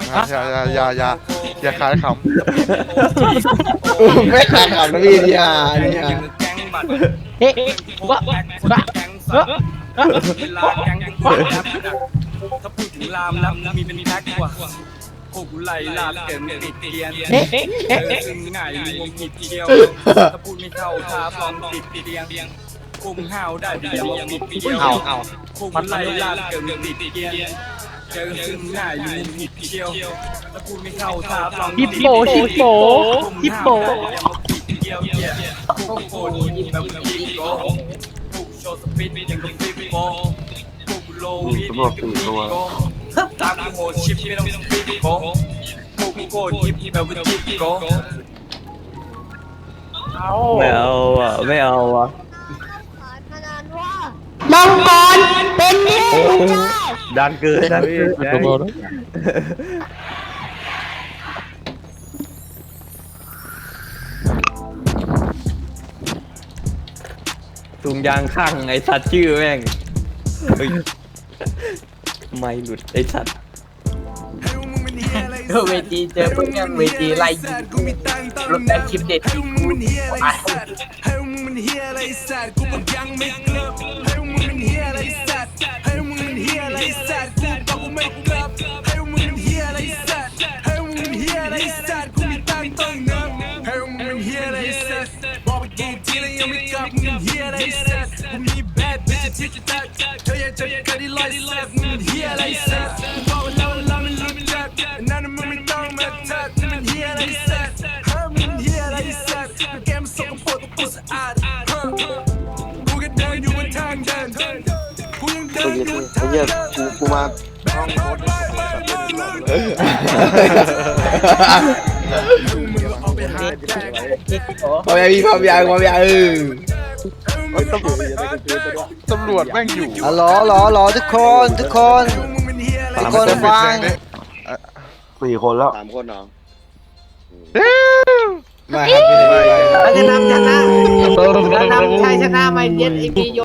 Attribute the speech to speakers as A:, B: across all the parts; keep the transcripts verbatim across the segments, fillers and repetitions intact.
A: นะอย่าอย่าอย่าอย่าอย่าขายขำ
B: ไม่ขายขำนะพี่เนี่ยเนี่ย
C: เฮ้ยว้าว้าเฮ้ย
D: ถ้าพูดถึงลามแล้วมีเป็นแพ็คกว่าพวกไหลลาบเกินติดเตียน
C: เฮ้ยเฮ้ย
D: เจ
C: เฮ้ย
D: อซึ่งง่ายงงผิดเดียวถ้าพูดไม่เข้าท่าปลอมติดเตียงพวกมึงห้าวได้แต่อย่ามาปิดเดียว
B: เอาเอา
D: พวกไหลลาบเกินติดเตียนเจอซึ่งง่ายงงผิดเดียวถ้าพูดไม่เข้าท่าปลอม
C: ฮิปโปฮิปโปฮิปโป
D: อย่ามาปิดเดียวพวกโคตรยิ้มแบบยิ้มโก้พวกโชว์สปิดยังกับฟิปโก้พวกโลวิดยังกับฟิปโก้ตามกูโหดชิปไม่ต้องสปิดโก้พวกกูโคตรยิปแบบวิจิโก้
E: ไม่เอาอ่ะไม่เอาอ่ะ
C: มังกรเป็นนี่
E: ดันเกินดันเกินถุงยางข้างไอ้สัตว์ชื่อแม่งเฮ้ยไม่หลุดไอ้สัตว์
C: เวทีเจอพวกแม่งเวทีไล่ยิงรถแต่คลิปเด็ดกูตาย
D: ให้มึงมันเฮียอะไรสัตว์กูบอกยังไม่เกือบให้มึงมันเฮียอะไรสัตว์ให้มึงมันเฮียอะไรสัตว์กูบอกกูไม่เกือบให้มึงมันเฮียอะไรสัตว์ให้มึงมันเฮียอะไรสัตว์กูมีตังค์ต้องเงินให้มึงมันเฮียอะไรสัตว์บอกไปกี่ทีแล้วยังไม่กลับมึงเฮียอะไรสัตว์กูมีแบดbitchที่จะตัดเธออยากจะเกิดที่ไลฟ์สัตว์มึงเฮียอะไรสัตว์กูบอกว่าเราเราไม่รู้จักนั่นมึงไม่ต้องมาทักมึงเฮียอะไรสัตว์ให้มึงเฮียอะไรสัตว์แกมสกปรกกูสะอาดกูก็เดินอยู่บนทางเดินกูยังเดินอยู่ทางเดินกูกูมาห้องรถ
B: พอยังพี่พอยังพอยังเออ
A: ตำรวจแม่งอยู่
B: อ๋อหรอหรอหรอทุกคนทุกคนทุกคนฟัง
F: สี่คนแล้ว
G: สามคนเนาะ
B: มาครับพี่ไม่
C: เราจะนำชนะเรานำชัยชนะมาเย็นไอพียก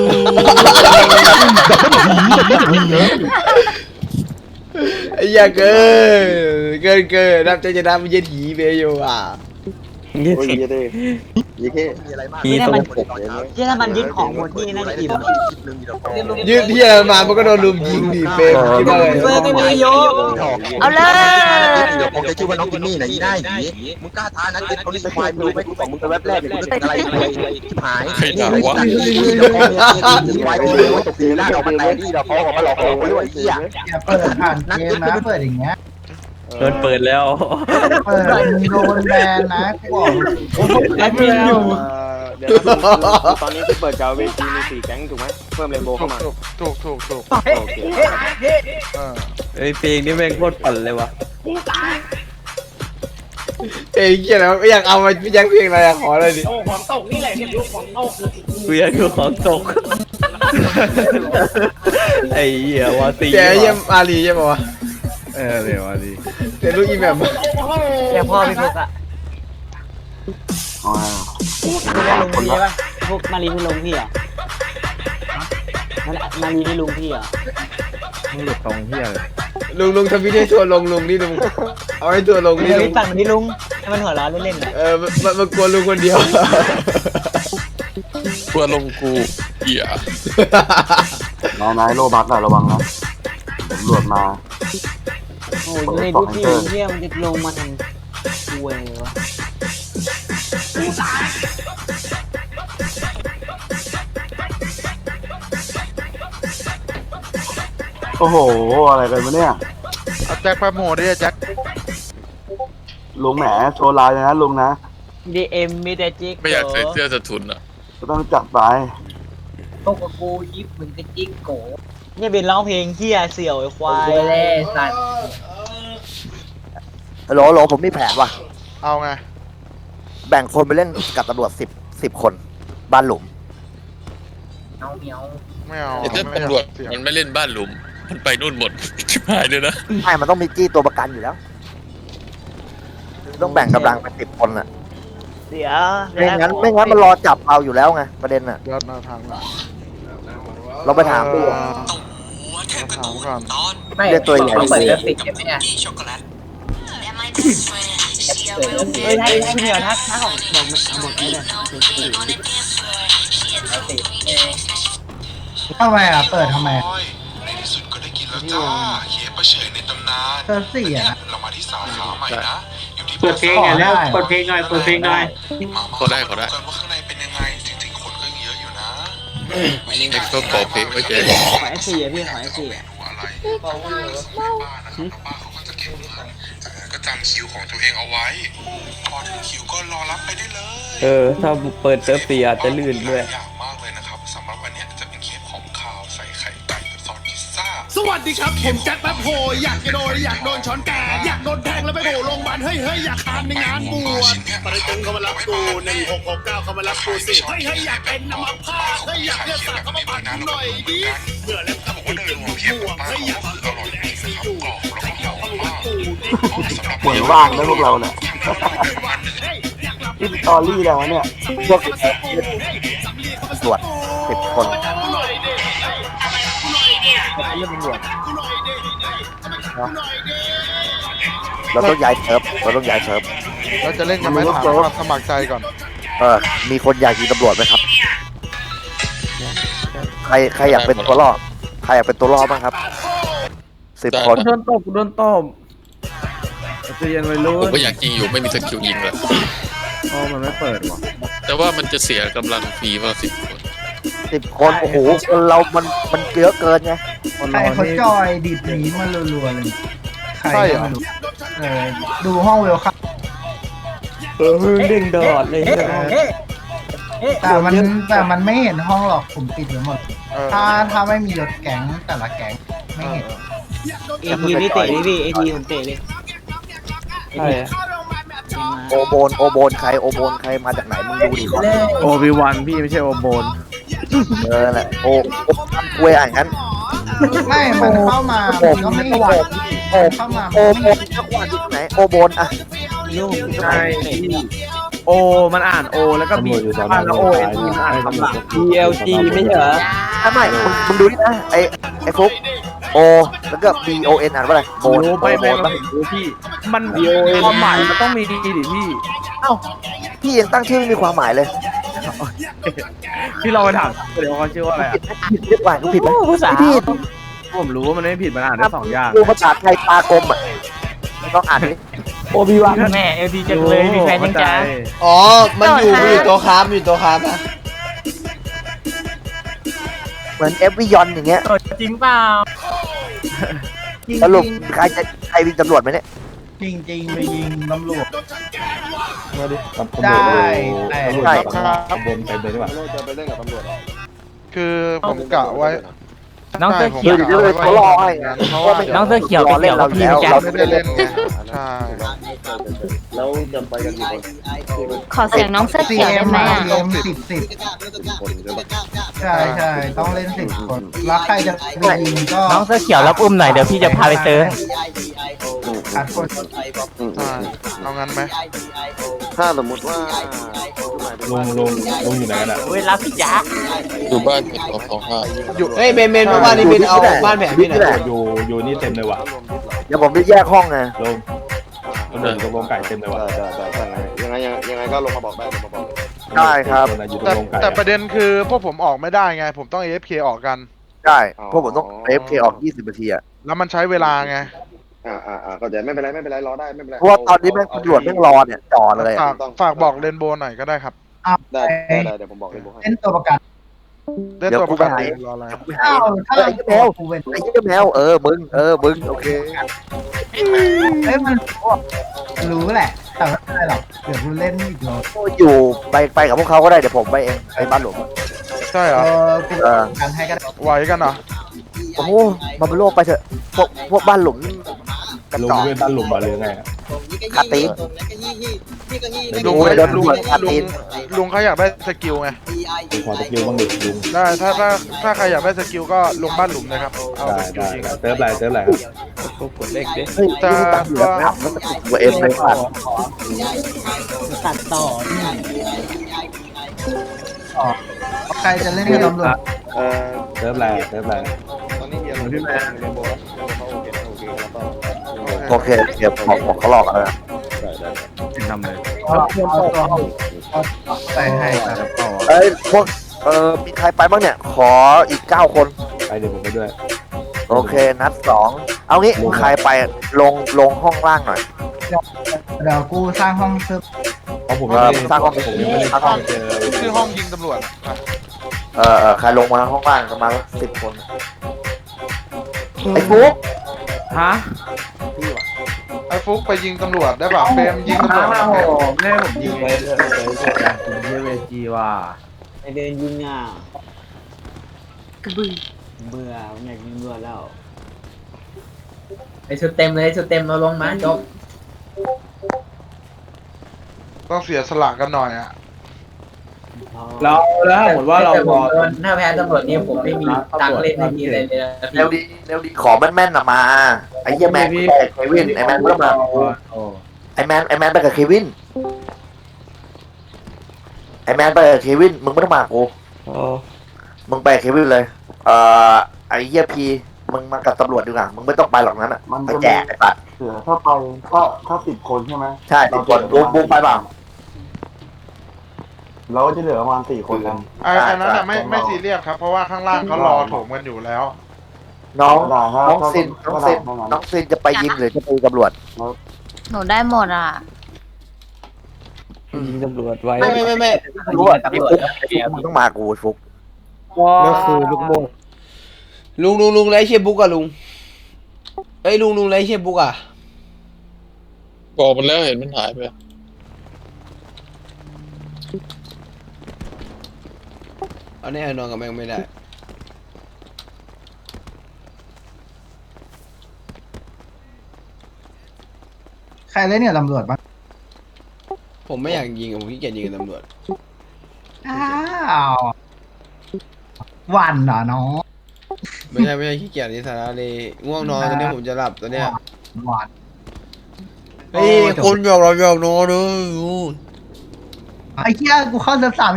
B: ไอ้ยาเกินเกินเกินนับใจจะนับเย็นหีเบโยอ่ะ
E: เงี้ย
G: โอ้ยยี่เด้ยี่เท่
E: มีตรง
C: ที่ถ้ามันยึดของหมดนี่น่าจะอิ่ม
B: ยืดที่อะไรมามันก็โดนลุมยิงดิเฟรมคิดว่าไง
C: เฟอร์ไม่มีโยเอาเลย
G: เดี๋ยวผมจะชื่อว่าน้องจิมมี่นะยี่ได้หนีมึงกล้าท้านักเก็ตเขานี่สควายมึงรู้ไหมกูบอกมึงเป็นแวบแรกเนี่ยกูนึกถึงอะไรเลยชิบหายนี่ไอ้สัตว์นี่นี่เดี๋ยวพ่อเนี่ยนี่ควายกูเลยว่าตกตีหน้าเรามาแต่นี่เราเขาออกมาหลอกเราไปด้วยไอ้เหี้ย
F: เปิดผ่านเกมนะเปิดอย่างเงี้ย
E: โดนเปิดแล้ว
F: เปิดมึงโดนแบนนะกูบอก
C: แอดมินอยู่
G: เดี๋ยวตอนนี้ที่เปิดกาวเวทีมีสี่แก๊งถูกไหมเพิ่มเรนโบว์เข้ามา
A: ถูกถูกถูกถูก
G: โอเค
A: เออ
E: ไอ้เพลงนี่แม่งโคตรปั่นเลยวะ
B: เอ้ยเกี่ยแล้วอยากเอามาแย่งเพลงอะไรอะขอเลยดิ
C: ของตกนี่แหละเนี่ยลูกของตก
E: กูอยากดูของตกไอ้เหี้ยวาตี
B: เจ๊เยี่ยมอาลีใช่ป่าวะ
E: เออเดี๋ยววาตี
B: เจ๊ลูกอีแมม
C: แต่พ่อพี่พกอะ
F: อ๋อ
C: พี่ได้ลุงพี่ป่ะพวกมารีที่ลุงพี่อ่ะมารีที่ลุงพี่อ่ะ
E: มึงหลุดตรงเหี้ยเลย
B: ลุงลุงทำวิดีโอทัวร์ลงลุงนี่ลุงเอาให้ทัวร์ลงนี่
C: เดี๋ยว
B: ลุง
C: พี่สั่งที่ลุงให้มันหัวเราะเล่นๆ
B: เออมันมันกลัวลุงคนเดียว
A: กลัวลงกูเหี้ย
F: นายนายโลบัสอะระวังนะตำรวจมา
C: โอ้ยในทุกที่เที่ยมันจะลงมาทำคุยเลยวะ
F: โอ้โหอะไรกันวะเนี่ย
A: เอาแจ็คไปโหมดดิแจ็ค
F: ลุงแหมโชว์ลายเลยนะลุงนะ
C: ดีเอ็มมีแต่จิก
H: ไม่อยากใส่เสื้อสะทุนอ่ะ
F: ก็ต้องจัดไป
C: ตกกับกูยิบมึงก็จิกโกเนี่ยเป็นร้องเพลงเฮียเสี่ยวไอ้ควายเล่สัตว์
G: ฮัลโหลฮัลโหลผมมีแผนว่ะ
A: เอาไง
G: แบ่งคนไปเล่นกับตำรวจสิบสิบคนบ้านหลุม
C: เอาเมียว
A: ไม่เอา
H: ไอ้เจ้า
A: ไม่อยาก
H: ตำรวจ
A: เสียง
H: มันไม่เล่นบ้านหลุม มันไปนู่นหมด ชิบหายเลยนะ
G: ใช่มันต้องมีจี้ตัวประกันอยู่แล้ว ต้องแบ่งกำลังเป็นสิบคนอ่ะ
C: เสีย
G: ไม่งั้นไม่งั้นมันรอจับเราอยู่แล้วไงประเด็นอ่ะ
A: ยอดมาทางหลัง
G: เราไปถามดู
A: เอ่อถามก่อน
C: ไม่
F: เรียกตัวใหญ่
C: ต้องเปิด
F: สิ
C: เลิฟติดใช่ไหมเนี่ยเฮ้ยให้ให้พี่เหนียวทักทักของบอกบอกไม่ได้ทำไมอ่ะเปิดทำไม
D: ในที่สุดก็ได้กินแล้วจ้าเค้กประเฉยในตำนาน
C: เปิดสี่อ่ะ
D: เรามาที่สาขาใหม่นะอยู่ที่
C: เปิดเพลงหน่อยแล้วเปิดเพลงหน่อยเปิดเพลงหน่อย
H: เขาได้เขาได้
D: กันว่าข้างในเป็นยังไงจริงๆคนก็ยังเยอะอยู่นะ
H: เอ็กซ์ก็ขอเพลงไว้เจ๊
C: ขอไอซีอ่ะพี่ขอไอซีอ่ะ
D: อะไรบ้านนะครับแล้วบ้านเขาก็จะเก็บเงินจากนั้นก็จำคิวของตัวเองเอาไว้ พอถึงคิวก็รอรับไปได้เลย
E: เออ ถ้าเปิดเซิร์ฟเสียอาจจะลื่นด้วย
D: อย่างมากเลยนะครับสำหรับวันนี้จะเป็นเค้กของขาวใส่ไข่ไก่กับซอสพิซซ่า
I: สวัสดีครับ ผมแจ็คแป๊บโฮอยากจะโดนอยากโดนช้อนแกงอยากโดนแทงแล้วไปโผล่โรงพยาบาลเฮ้ยเฮ้ยอยากทานในงานบวชปริจังเข้ามารับกูหนึ่งหกหกเก้าเข้ามารับกูสิเฮ้ยเฮ้ยอยากเป็นน้ำมันพาเฮ้ยอยากเลือดสาดเข้ามาปั่นกูหน่อยดิเมื่อแล้วกับติดกินบวกเฮ้ยอยากโดนไอซียูอยากเข้ามารับกูดิ
F: เหมือนว่างนะพวกเราเนี่ยที่ตอรี่แล้วเนี่ยพวกตรวจสิบคนเราต้องย้ายเซิร์ฟเราต้องย้ายเซิร์ฟ
A: เราจะเล่นกันไหมถามความสมัครใจก่อน
F: เออมีคนอยากยิงตำรวจไหมครับ ใครใครอยากเป็นตัวล่อใครอยากเป็นตัวล่อบ้างครับสิบคน
E: โดนตบโดนตบจะยังไม่รู้
H: ผมก็อยากยิงอยู่ไม่มีสกิลยิงเลย
E: อ๋อมันไม่เปิดว่ะ
H: แต่ว่ามันจะเสียกำลังฟรีว่าสิบคน
F: สิบคนโอ้โหคนเรามันมันเยอะเกินไง
C: ใครเขาจอยดีดหนีมารัวๆเลยใคร
A: ใช่เหรอ
C: เออดูห้องเวลคัม
E: เออเด้งดอดเลยเนี่ย
C: แต่มันแต่มันไม่เห็นห้องหรอกผมปิดไว้หมด
A: เออ
C: ถ้าถ้าไม่มียศแก๊งแต่ละแก๊งไม่เห็น
F: เอทีนี่เตะดิพี่
C: เอทีผมเตะเลย
E: ใช่อะ
F: โอโบนโอโบนใครโอโบนใครมาจากไหนมึงดูดิ
E: โอบิวันพี่ไม่ใช่โอโบน
F: เออแหละโอโอทำกล้วยอ่านงั้น
C: ไม่มันเข้ามามันก็ไม่เห็น
F: โอ
C: เข้ามา
F: โอโบนจังหวัดที่ไหนโอโบนอะ
C: ลูก
E: ใช่โอมันอ่านโอแล้วก็บีบ้านแล้วโอเอ็นมันอ่านคำหลัง B L G ไม่ใช่เหรอ
F: ถ้าไม่มึงมึงดูนี่นะไอไอฟุกโอแล้วก็ B O N อ่านว่าอะไรโบน
E: รู้
F: โอ
E: ไม่
F: โบ
E: ไม่
F: น
E: ไม่รู้พี่ มันความหมายมันต้องมีดีดิพี่
F: เอ้าพี่ยังตั้งชื่อไม่มีความหมายเลย
E: พี่ลองไปถามเดี๋ยวเขาชื่อว่าอะไรอ่ะ
F: ผิดหรือเปล่าผิดไหมไม่ผิด
E: ผมรู้ว่ามันไม่ผิดมันอ่านได้สองอย่าง
F: ดูภาษาไทยปลากลมอ่ะต้องอ่านดิ
E: โอบิวัน
C: แม่เอลทีจังเลยมีแฟนยังจ้า
B: อ๋อ มันอยู่มันอยู่ตัวค้ามอยู่ตัวค้ามนะ
F: เหมือนเอฟวิยอนอย่างเงี้ย
C: จริงเปล่า
F: สรุปใครจะใครวิ่งตำรวจไหมเนี่ย
C: จริงจริงไปยิงตำรวจ
E: มาดิ
C: ได้แต่
F: ใช่
A: ครับ
E: บนไปเลยดีกว่า
A: คือผมกะไว้
C: น้องเสื้อ
A: ใช่
C: เขียว
A: ผมกะไว้ว่า
F: เขารอให้
A: เพราะว่า
C: น้องเสื้อเขียว
F: รอเล่นเราอยู่แล้ว
C: พี่
F: เรา
A: ไม่ได้เล่นไงใช่
J: ขอเสียงน้องเสื้อ
C: ซี
J: เขียว
C: เอ็
J: ได้
C: ม
J: ไหม
C: มา
J: อ่ะ
C: เอ็มสิบสิบใช่ใช่ต้องเล่นสิบคนแล้วใครจะไปยิงก็
J: น้องเสื้อเขียวรับอุ้มหน่อยเดี๋ยวพี่จะพาไปเซิร์ฟ
C: ขาดคน
A: ใช่เอางั้นไหม
F: ถ้าสมมติว่า
E: ลงลงลงอยู่ไหนกันอ่ะ
J: เวลาพี่จ๋า
H: อยู่บ้านเจ็ดสองสองห้า
A: อยู่
B: เฮ้ยเบนเบนมาบ้านนี่เบนเอาบ้านแผนพี่หน่อย
E: อยู่อยู่นี่เต็มเลยว่ะ
F: เดี๋ยวผมจะแยกห้องไง
E: ลงลงอยู่ตรงโรงไก่เต็มเลยว่ะ
G: ยังไงยังไงก็ลงมาบอกได้ลงมาบอก
F: ได้ครับ
E: อยู่ตร
A: แต่
E: งโรงไก่
A: แต่ประเด็นคือพวกผมออกไม่ได้ไง ผมต้อง เอ เอฟ เค ออกกัน
F: ได้เพราะผมต้องเอฟเคออกยี่สิบนาทีอะ
A: แล้วมันใช้เวลาไง
G: อ่าอ่าอ่าก็จะไม่เป็นไรไม่เป็นไรรอได้ไม่เป็นไร
F: เพราะว่าตอนนี้แม่งตำรวจแม่งรอเนี่ยจ่อเลย
A: ฝากฝากบอกเรนโบว์หน่อยก็ได้ครับ
G: ได้ได้ได้เดี๋ยวผมบอกเลยบอกให้
C: เล่นตัวประกัน
A: ได้ตัวประกันเองรออะไร
C: ถ้าถ้า
F: ไอ้เจ้าแมว
C: กูเป็น
F: ไอ้เจ้าแมวเออมึงเออมึงโอเค
C: เอ้ยมันรู้แหละ แต่ไม่เป็นไรหรอกเดี๋ยวกูเล่นอีกรอบ
F: อยู่ไปไปกับพวกเขาก็ได้เดี๋ยวผมไปเองไปบ้านหลวง
A: ใช่เหร
C: เอ
A: อ
C: อกู
F: เออ
C: กันให้ก็ได้
A: ไหวกันเหรอ
F: โอ้โหมาเป็นโลกไปเถอะพวกพวกบ้านหลุมกระ
E: ลง
F: จอก
E: เว้นบ้านหลุมมาหรือไง
F: คาตีน
A: ลุง
F: โอ้ยโดนตำรวจขัด
A: ลุ
F: ตี
A: ง
F: น
A: ลุงเขาอยากได้สกิลไง
E: ดูขอสกิลบ้างดิลุง
A: ได้ถ้าถ้าถ้าใครอยากได้สกิลก็ลงบ้านหลุมเลยครับเอา
E: ได้
A: สกิล
E: ได้
A: จริง
E: เติร์ฟอะไรเติร์ฟอะไรครับกดเลขดิ
F: เฮ้ยนี่ตัดเหลืองแล้วแล้วก็ติดหัวเอ็มไปผ่าน
C: ตัดต่อนี่ต่อใครจะเล่นกับตำรวจ
G: เออ
E: เติร์ฟอะไรเติร์ฟอะไร
G: ตอนนี้เฮีย
F: โอเคเดี๋ยวบอกบอกเขาหลอกกันแล้ว
B: ไปให้ครับ
F: เอ้ยพวกเออมีใครไปบ้างเนี่ย ขออีกเก้าคน
B: ไปเดี๋ยวผมไปด้วย
F: โอเคนัดสองเอางี้ใครไปลงลงห้องล่างหน่อย
C: เดี๋ยวกูสร้างห้องเซิร์ฟ
B: เพราะผม
F: เออสร้างห้องผมยังไม่ได้สร้างห้อง
A: ชื่อห้องยิงตำรวจอะ
F: เออเออใครลงมาห้องล่างประมาณสิบคนไอ้ฟุ๊ก
B: ฮะ
A: ไอ้ฟุกไปยิงตำรวจได้ป่ะเฟรมยิงตำรวจนะ
B: แม่ผมยิงไปเลยการคุณเยเวจีว่า
C: ไปเดินยิงอ่ะกระบือเบื่ออยากยิงเบื่อแล้วไอชุดเต็มเลยชุดเต็มเราลงมาจบ
A: ต้องเสียสละกันหน่อยอ่ะ
B: เราแล้วถ้าสมมติว่าเราพอ
C: ถ้าแพ้ตำรวจนี่ผมไม่มีตังค์เล่นไม่มีอะไรเลย
F: เร็วดีเร็วดีขอแม่นๆนะมาไอ้เหี้ยแมนไปกับเควินไอ้แมนก็มาไอ้แมนไอ้แมนไปกับเควินไอ้แมนไปกับเควินมึงไม่ต้องมากูมึงไปกับเควินเลยเอ่อไอ้เหี้ยพีมึงมากับตำรวจดีกว่ามึงไม่ต้องไปหรอกนั้นอ่ะไปแจกไอ้ปัด
I: เสือถ้าไปก็ถ้าสิบคนใช่ไหม
F: ใช่ติดคนบูมบูมไปเปล่า
I: เราก็จะเหลือประมาณสี่คนกัน
A: ไอ้ไอ้นั้นอ่ะไม่ไม่ซีเรียสครับเพราะว่าข้างล่างเขารอโถมกันอยู่แล้ว
F: น้องน้องซินน้องซินน้องซินจะไปยิงหรือจะไปตำรวจ
J: หนูได้หมดอ่ะ
E: ยิงตำรวจไว้
B: ไม่ไม่ไม่ไม่
F: รู้อ่ะไอ้ฟุกไอ้ฟุกมึงต้องมากูฟุก
E: ก็คือลูกโม่
B: ลุงลุงลุงไรเชียบุ๊กอะลุงเอ้ยลุงลุงไรเชียบุ๊กอะ
H: บอกมันแล้วเห็นมันหายไป
B: เอาแน่นอนกับแม่งไม่ได้
C: ใครเล่นเนี่ยตำรวจบ้าง
B: ผมไม่อยากยิงอะผมขี้เกียจยิงกับตำรวจ
C: อ้าววันเหรอน้อง
B: ไม่ใช่ไม่ใช่ขี้เกียจนิสาระเลยง่วงนอนตอนนี้ผมจะหลับตอนเนี้ย
C: วัน
B: เฮ้ยคนหยอกเราหยอกนอนเลย
C: ไอ้เหี้ยกูเข้าเซิร์ฟสาม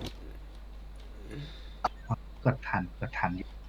C: กดทันกดทัน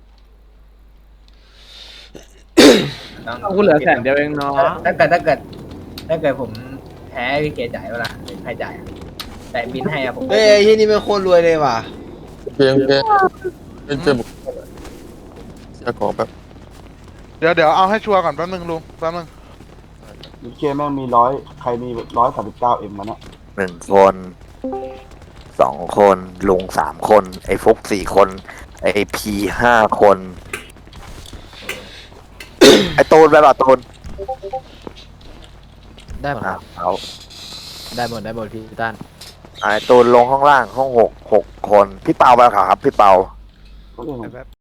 E: กูเหลือแสนเดียวเองเนาะ
C: ถ้าเกิดถ้าเกิดถ้าเกิดผมแพ้พี่เกจ่ายเวลาหรือใครจ่ายแต่บินให้อะผม
B: เฮ้ยไอ้ที่นี่เป็นโคตรรวยเลยว่ะ
H: เพียงแค่เป็นเจ้าบุกเสียของแบบ
A: เดี๋ยวเดี๋ยวเอาให้ชัวร์ก่อนแป๊บนึงลุงแป๊บนึง
I: ยูเคแม่งมีร้อยใครมีร้อยสามสิบเก้าเอ็มมาเนี่ย
F: หนึ่งคนสองคนลุงสามคนไอ้ฟุกสี่คนไอ้พีห้าคน ไอ้ตูนไปเปล่าตูน
E: ได้หมด
F: อ่ะเอา
E: ได้หมดได้หมดพี่ต้าน
F: ไอ้ตูนลงห้องล่างห้องหกหกคนพี่เปาไปเปล่าครับพี่เปา
I: ก็เลย